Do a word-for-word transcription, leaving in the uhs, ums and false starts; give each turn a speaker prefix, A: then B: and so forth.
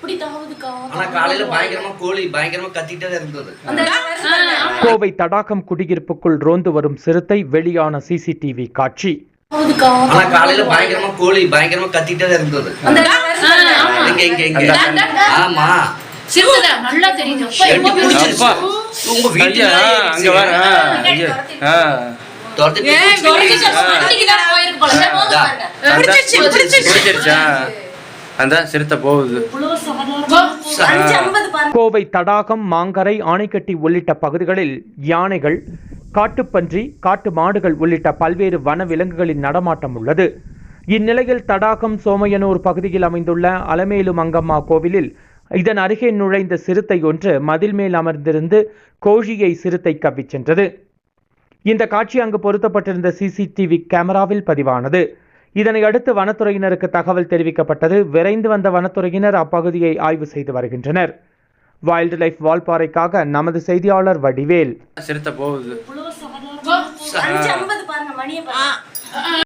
A: கோவை தடாகம் குடியிருப்புக்குள் ரோந்து வரும் சிறுத்தை, வெளியான சிசிடிவி காட்சி.
B: காலையில பயங்கரமா கோழி பயங்கரமா கத்திட்டே இருந்தது.
A: கோவை தடாகம், மாங்கரை, ஆனைக்கட்டி உள்ளிட்ட பகுதிகளில் யானைகள், காட்டுப்பன்றி, காட்டு மாடுகள் உள்ளிட்ட பல்வேறு வன விலங்குகளின் நடமாட்டம் உள்ளது. இந்நிலையில் தடாகம் சோமையனூர் பகுதியில் அமைந்துள்ள அலமேலு மங்கம்மா கோவிலில் இதன் அருகே நுழைந்த சிறுத்தை ஒன்று மதில் மேல் அமர்ந்திருந்து கோழியை சிறுத்தை கவ்விச் சென்றது. இந்த காட்சி அங்கு பொருத்தப்பட்டிருந்த சிசிடிவி கேமராவில் பதிவானது. இதனை அடுத்து வனத்துறையினருக்கு தகவல் தெரிவிக்கப்பட்டது. விரைந்து வந்த வனத்துறையினர் அப்பகுதியை ஆய்வு செய்து வருகின்றனர். வைல்ட் லைஃப் வால்பாறைக்காக நமது செய்தியாளர் வடிவேல்.
C: சிறுத்தை போகுது.